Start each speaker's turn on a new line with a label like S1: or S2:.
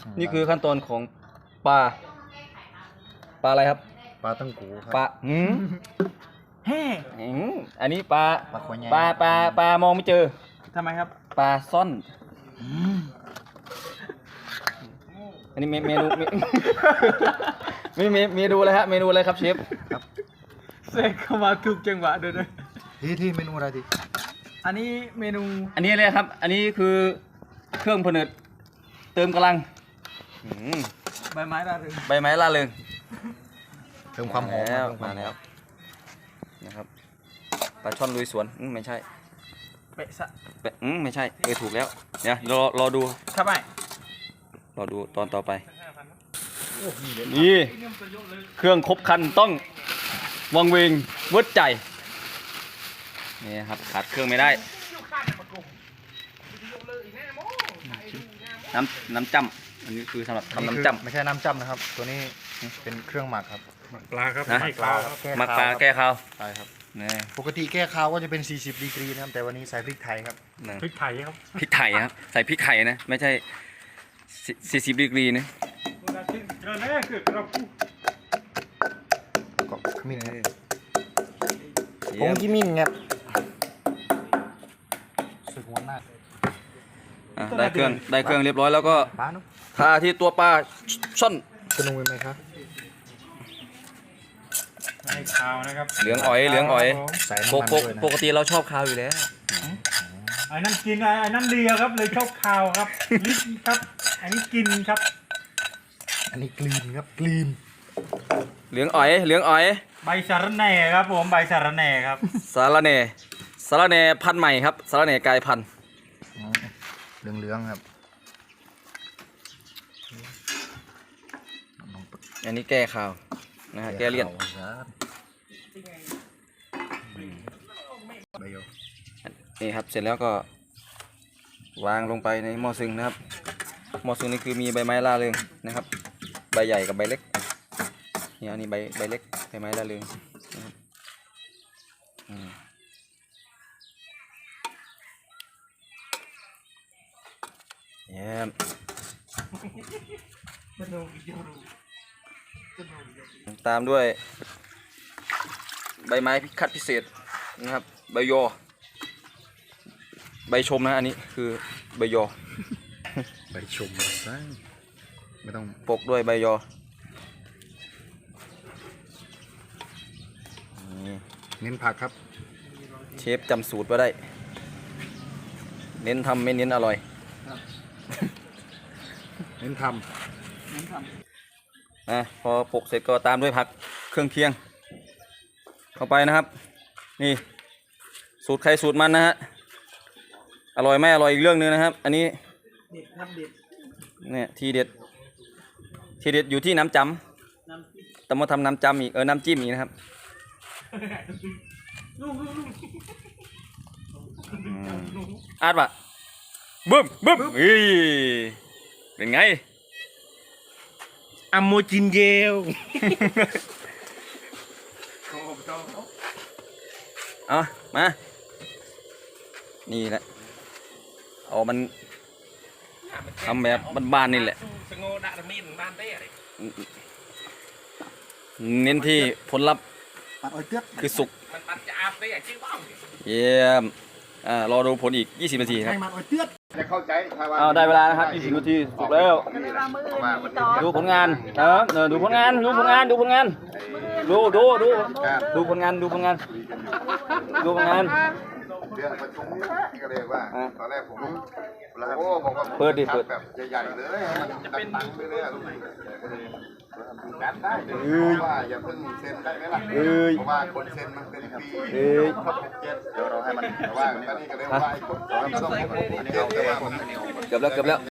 S1: นี่คือขั้นตอนของปลาอะไรครับ
S2: ปลาตั้งกูครับ
S1: ปลา
S3: แฮ่
S1: อันนี้ปลา
S2: ปลาขวใหญ่
S1: ปลามองไม่เจอ
S3: ทำไมครับ
S1: ปลาซ่อนอันนี้เมนูเมนูอะไรฮะเมนูอะไรครับเชฟ
S3: เสกเข้ามาถูกจังหวะด้วยนะ
S2: ที่เมนูอะไรดิ
S3: อันนี้เมนู
S1: อันนี้อะไรครับ อันนี้คือเครื่องผนึกเติมกำลัง
S3: ใบไม้ระเริง
S1: ใบไม้ล่าเริง
S2: เติมความหอม
S1: แล้ว
S2: เติ
S1: มาแล้วนะครับปลาช่อนลุยสวนไม่ใช่
S3: เปะสะ
S1: ไม่ใช่ถูกแล้วเดี๋ยวรอดู
S3: ครับไอ้
S1: รอดูตอนต่อไปนี่เครื่องครบครันต้องวังเวงเวิร์ดใจนี่ครับขาดเครื่องไม่ได้น้ำจ้ำอันนี้คือสำหรับทำน้ำจ้ำ
S2: ไม่ใช่น้ำจ้ำนะครับ ตัวนี้เป็นเครื่องหมักครับ
S4: ปลาครับ
S1: นะ
S4: ให้ปลาครับ
S1: หมักปลาแก้คาว
S2: ใช่ครับ
S1: นี่
S2: ปกติแก้ข้าวก็จะเป็น40ดีกรีนะครับแต่วันนี้ใส่พริกไทยครับ
S1: นะ
S4: พริกไทยครับ
S1: พริกไทยครับใส่พริกไทยนะไม่ใช่40ดีกรีนะ
S4: เจอแน่คือเราพูด
S2: แล้วก็ขมิ้นครับผ
S1: เยี่ย
S2: ง
S1: ม
S2: ขมิ้นครับสึกหัวหน้า
S1: ได้เครื่องเรียบร้อยแล้วก็
S2: ปลาเนาะ
S1: ทาที่ตัวปลาช่อน
S2: จะลงไปไหมครับ
S4: ให้ข้าวนะครับ
S1: เหลืองอ๋อย
S2: ใส่น้ำมันด้วยนะ
S1: ปกติเราชอบคาวอยู่แล้ว
S4: ไอ้นั่นกินไอ้นั่นเลียครับเลยชอบข้าวครับลิ้นครับอันนี้กินครับ
S2: อันนี้กลีนครับกลีน
S1: เหลืองอ๋อย
S4: ใบสาระแหน่ครับผมใบสาระแหน่ครับ
S1: สาระแหน่พันธุ์ใหม่ครับสาระแหน่กลายพันธุ์
S2: เหลืองๆครับ
S1: อันนี้แก้คาวนะฮะแก้เลี่ยน
S2: ใบโย
S1: นี่ครับเสร็จแล้วก็วางลงไปในหม้อซึ่งนะครับหม้อซึ่งนี่คือมีใบไม้ล่าเริงนะครับใบใหญ่กับใบเล็กนี่อันนี้ใบเล็กใบไม้ล่าเริงนะครับเยี่ยมตามด้วยใบไม้คัดพิเศษนะครับใบยอใบชมนะอันนี้คือใบยอ
S2: ใบชมซะไม่ต้อง
S1: ปกด้วยใบยอนี่
S2: เน้นผักครับ
S1: เชฟจำสูตรไว้ได้ เน้นทำไม่เน้นอร่อย
S2: เน้นท
S1: พอปกเสร็จก็ตามด้วยผักเครื่องเคียง เข้าไปนะครับ นี่สูตรใครสูตรมันนะฮะอร่อยไม่อร่อยอีกเรื่องนึงนะครับ อันนี้
S3: เด็ดครับเด็ด
S1: เนี่ยทีเด็ดอยู่ที่น้ำจำแต่มาทำน้ำจำอีกน้ำจิ้มอีกนะครับอาดปะบึ้มเฮ้ยเป็นไง
S4: อัมโมจินเยล
S1: เอามานี่แหละเอามันทำแบบบ้านๆนี่แหละเน้นที่ผลลัพธ์
S2: ำปัดอ้อยเตี้ย
S1: คือสุกเยี่ยมรอดูผลอีก20 นาทีครับ
S2: ให้มันอ้อยเตี้ย
S5: จะเข้าใจถ้าว่า
S1: ได้เวลานะครับ20 นาทีสุกแล้ว ดูผลงานดูผลงานดูผลงานดูผลงานดูผลงานดูผลงาน
S5: เรื่องประชุมก็เลยว่าตอนแรกผมโอ้บอกว่า
S1: เปิดดิ
S5: แบบใหญ่ๆเลยมันเป็นตังค์ไปเลยลูกการได้เพราะว่าอย่าเพิ่งเซ็นได้ไหมล่ะเพราะว่าคนเซ็นมันเป็นปีเขาเป็นเจ็ดเดี๋ยวเราให้มันว่าตอนนี้ก็เลยว่าไอ้คนเราต้องอันนี้เขาเรียกว่า
S1: เกือบแล้ว